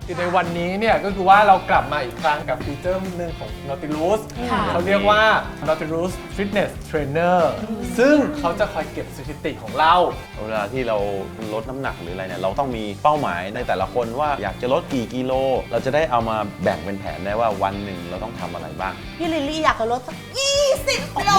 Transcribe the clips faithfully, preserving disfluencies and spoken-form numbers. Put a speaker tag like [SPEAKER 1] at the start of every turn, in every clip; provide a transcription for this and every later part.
[SPEAKER 1] คือในวันนี้เนี่ยก็คือว่าเรากลับมาอีกครั้งกับฟีเจอร์หนึ่งของ Nautilus เขาเรียกว่า Nautilus Fitness Trainer ซึ่งเขาจะคอยเก็บสถิติของเรา
[SPEAKER 2] เวลาที่เราลดน้ำหนักหรืออะไรเนี่ยเราต้องมีเป้าหมายในแต่ละคนว่าอยากจะลดกี่กิโลเราจะได้เอามาแบ่งเป็นแผนได้ว่าวันหนึ่งเราต้องทำอะไรบ้าง
[SPEAKER 3] พี่ลิลลี่อยากจะลดสักยี่สิบกิโล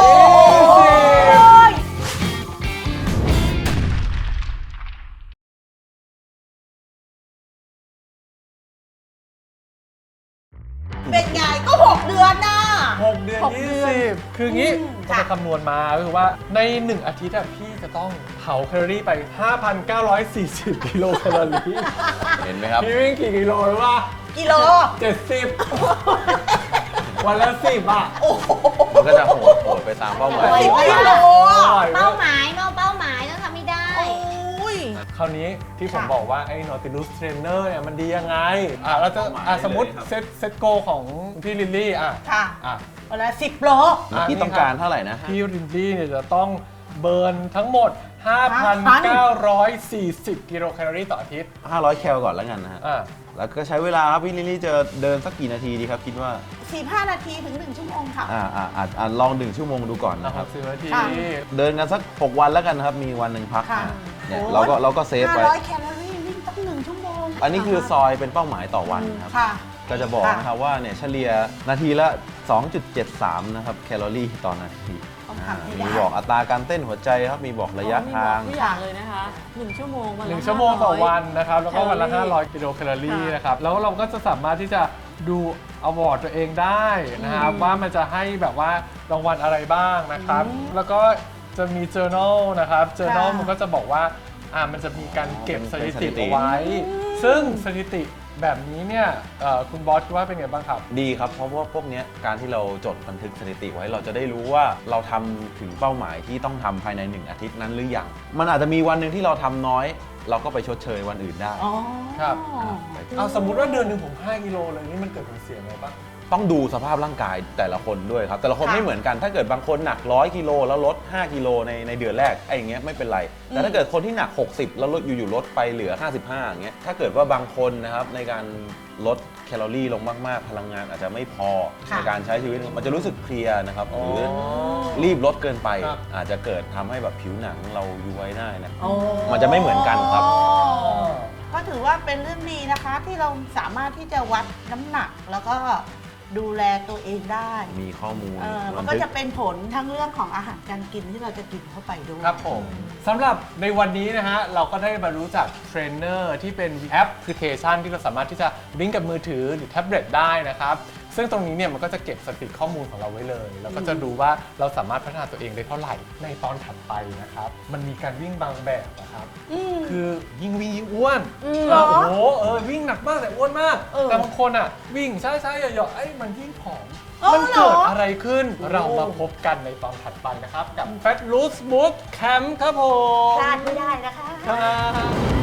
[SPEAKER 3] เป็นไงก็หกเดือนน่ะ
[SPEAKER 1] หกเดือนยี่สิบคืองี้เราไปคำนวณมาก็คือว่าในหนึ่งอาทิตย์พี่จะต้องเผาแคลอรี่ไป ห้าพันเก้าร้อยสี่สิบ กิโลแคลอรี่
[SPEAKER 2] เห็นไหมครับ
[SPEAKER 1] พี่วิ่งกี่กิโลหรือว่า
[SPEAKER 3] กิโล
[SPEAKER 1] เจ็ดสิบวันละสิบอ่ะ
[SPEAKER 2] มันก็จะโหดโหดไปตามเป้าหมาย
[SPEAKER 3] สิบกิโล
[SPEAKER 4] เป้าหมายเป้าเป้าหมายต้องทำให้ได้
[SPEAKER 1] คราวนี้ที่ผมบอกว่าไอ้ Nautilus Trainer เนี่ยมันดียังไงอ่ะเราจะอ่ะสมมติเซตเซตโกของพี่ลิลลี่อ่ะ
[SPEAKER 3] ค่ะ
[SPEAKER 1] อ่ะ
[SPEAKER 3] วันละสิบโล
[SPEAKER 2] พี่ต้องการเท่าไหร่นะ
[SPEAKER 1] พี่ลิลลี่เนี่ยจะต้องเบิร์นทั้งหมด ห้าพันเก้าร้อยสี่สิบ กิโลแคลอรี่ต่ออาทิตย์
[SPEAKER 2] ห้าร้อยแคลก่อนแล้วกันนะฮะแล้วก็ใช้เวลาครับพี่ลิลลี่จะเดินสักกี่นาทีดีครับคิดว่า
[SPEAKER 3] สี่สิบห้านาทีถึงหนึ่งชั่วโมงค่ะ
[SPEAKER 2] อ่าอ่าอ่าลองหนึ่งชั่วโมงดูก่อนนะครับ
[SPEAKER 1] สิบนาที
[SPEAKER 2] เดินกันสักหกวันแล้วกันนะครับมีวันหนึ่งพักเนี่ยเราก็เราก็เซฟไว้
[SPEAKER 3] ห้าร้อยแคลอรี่วิ่งตั้งหนึ่งชั่วโมง
[SPEAKER 2] อันนี้คือซอยเป็นเป้าหมายต่อวันครับก็จะบอกนะครับว่าเนี่ยเฉลี่ยนาทีละ สองจุดเจ็ดสาม นะครับแคลอรี่ต่อนาทีมีบอกอัตราการเต้นหัวใจครับมีบอกระยะทาง
[SPEAKER 4] ทุกอย่างเลยนะคะหนึ่งชั่วโมงวันละ
[SPEAKER 1] หนึ่งชั่วโมงต่อวันนะครับแล้วก็วันละห้าร้อยกิโลแคลอรี่นะครับแล้วเราก็จะสามารถที่จะดูอวอร์ดตัวเองได้นะครับว่ามันจะให้แบบว่ารางวัลอะไรบ้างนะครับแล้วก็จะมี journal นะครับ journal มันก็จะบอกว่าอ่ามันจะมีการเก็บสถิติเอาไว้ซึ่งสถิติแบบนี้เนี่ยคุณบอสคิดว่าเป็นไงบ้างครับ
[SPEAKER 2] ดีครับเพราะว่าพวกนี้การที่เราจดบันทึกสถิติไว้เราจะได้รู้ว่าเราทำถึงเป้าหมายที่ต้องทำภายในหนึ่งอาทิตย์นั้นหรือยังมันอาจจะมีวันหนึ่งที่เราทำน้อยเราก็ไปชดเชยวันอื่นได้
[SPEAKER 1] ครับเอาสมมุติว่าเดือนหนึ่งผมห้ากิโลเลยนี่มันเกิดผลเสียไหมบ้าง
[SPEAKER 2] ต้องดูสภาพร่างกายแต่ละคนด้วยครับแต่ละคนไม่เหมือนกันถ้าเกิดบางคนหนักร้อยกิโลแล้วลดห้ากิโลในในเดือนแรกไอ้อย่างเงี้ยไม่เป็นไรแต่ถ้าเกิดคนที่หนักหกสิบแล้วลดอยู่ๆลดไปเหลือห้าสิบห้าอย่างเงี้ยถ้าเกิดว่าบางคนนะครับในการลดแคลอรี่ลงมากๆพลังงานอาจจะไม่พอในการใช้ชีวิตมันจะรู้สึกเพลียนะครับหรือรีบลดเกินไปอาจจะเกิดทำให้แบบผิวหนังเราย้วยได้นะมันจะไม่เหมือนกันครับ
[SPEAKER 3] ก็ถือว่าเป็นเรื่องดีนะคะที่เราสามารถที่จะวัดน้ำหนักแล้วก็ดูแลตัวเองได้
[SPEAKER 2] มีข้อมูล
[SPEAKER 3] มันก็จะเป็นผลทั้งเรื่องของอาหารการกินที่เราจะกินเข้าไปด้วย
[SPEAKER 1] ครับผมสำหรับในวันนี้นะฮะเราก็ได้มารู้จักเทรนเนอร์ที่เป็นแอปพลิเคชันที่เราสามารถที่จะลิงก์กับมือถือหรือแท็บเล็ตได้นะครับซึ่งตรงนี้เนี่ยมันก็จะเก็บสถิติข้อมูลของเราไว้เลยแล้วก็จะดูว่าเราสามารถพัฒนาตัวเองได้เท่าไหร่ในตอนถัดไปนะครับมันมีการวิ่งบางแบบนะครับคือยิ่งวิ่งยิ่งอ้วนโอ้โหเออวิ่งหนักมากแต่อ้วนมากแต่บางคนอ่ะวิ่งช้าๆหย่อๆไอ้มันยิ่งผอมมันเกิดอะไรขึ้นเรามาพบกันในตอนถัดไปนะครับกับ Fat Loose Boot Camp ครับผม
[SPEAKER 3] พลาดไม่ได้นะคะ